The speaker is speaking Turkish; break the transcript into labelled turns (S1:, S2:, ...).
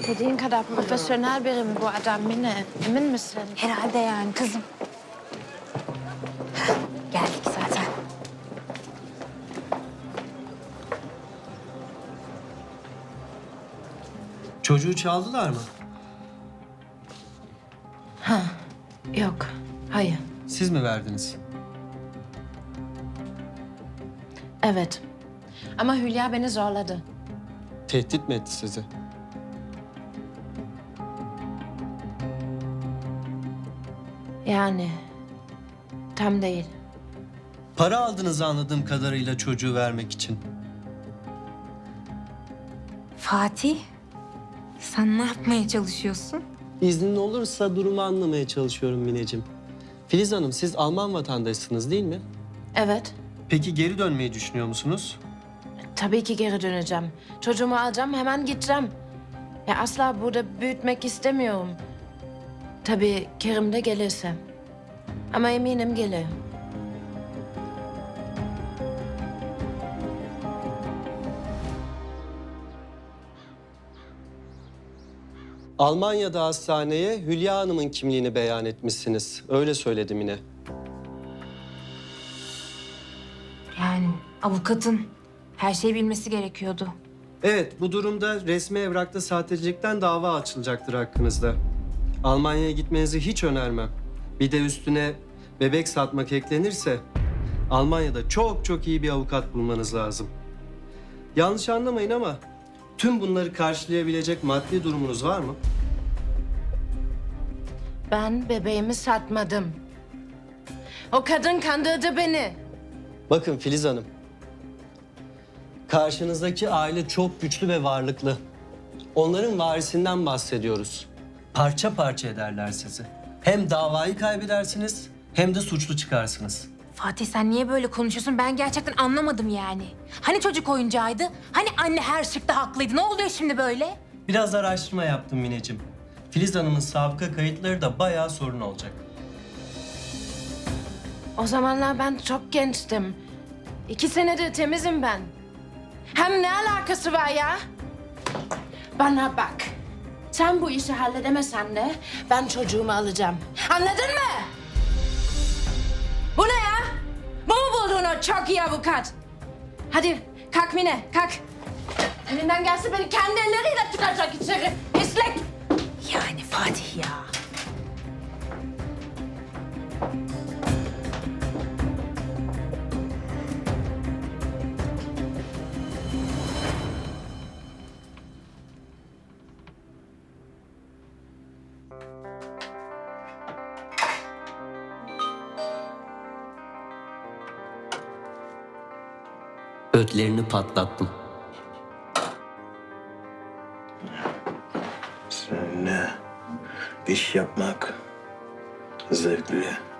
S1: Dediğin kadar profesyonel biri mi bu adam Mine? Emin misin?
S2: Herhalde yani kızım. Heh, geldik zaten.
S3: Çocuğu çaldılar mı?
S1: Yok, hayır.
S3: Siz mi verdiniz?
S1: Evet. Ama Hülya beni zorladı.
S3: Tehdit mi etti sizi?
S1: Yani tam değil.
S3: Para aldığınızı anladığım kadarıyla çocuğu vermek için.
S2: Fatih, sen ne yapmaya çalışıyorsun?
S3: İznin olursa durumu anlamaya çalışıyorum Mineciğim. Filiz Hanım, siz Alman vatandaşısınız değil mi?
S1: Evet,
S3: Peki geri dönmeyi düşünüyor musunuz?
S1: tabii ki geri döneceğim. Çocuğumu alacağım, hemen gideceğim. Ya asla burada büyütmek istemiyorum. Tabii Kerim de gelirse. Ama eminim gelir.
S3: Almanya'da hastaneye Hülya Hanım'ın kimliğini beyan etmişsiniz. Öyle söyledim yine.
S2: Yani avukatın her şeyi bilmesi gerekiyordu.
S3: Evet, bu durumda resmi evrakta sahtecilikten dava açılacaktır hakkınızda. Almanya'ya gitmenizi hiç önermem. Bir de üstüne bebek satmak eklenirse Almanya'da çok çok iyi bir avukat bulmanız lazım. Yanlış anlamayın ama tüm bunları karşılayabilecek maddi durumunuz var mı?
S1: Ben bebeğimi satmadım. O kadın kandırdı beni.
S3: Bakın Filiz Hanım, karşınızdaki aile çok güçlü ve varlıklı. Onların varisinden bahsediyoruz. Parça parça ederler sizi. Hem davayı kaybedersiniz hem de suçlu çıkarsınız.
S2: Fatih sen niye böyle konuşuyorsun? Ben gerçekten anlamadım yani. Hani çocuk oyuncağıydı? Hani anne her şıkta haklıydı? Ne oluyor şimdi böyle?
S3: Biraz araştırma yaptım Mineciğim. Filiz Hanım'ın sabıka kayıtları da bayağı sorun olacak.
S1: O zamanlar ben çok gençtim. 2 senedir temizim ben. Hem ne alakası var ya? Bana bak. Sen bu işi halledemesen de ben çocuğumu alacağım. Anladın mı? Bu ne ya? Bu mu buldun o çok iyi avukat? Hadi kalk Mine, kalk. Elinden gelse beni kendi elleriyle tıkacak içeri. Pislik.
S2: Yani Fatih ya.
S3: Ödlerini patlattım.
S4: Seninle iş yapmak zevkli.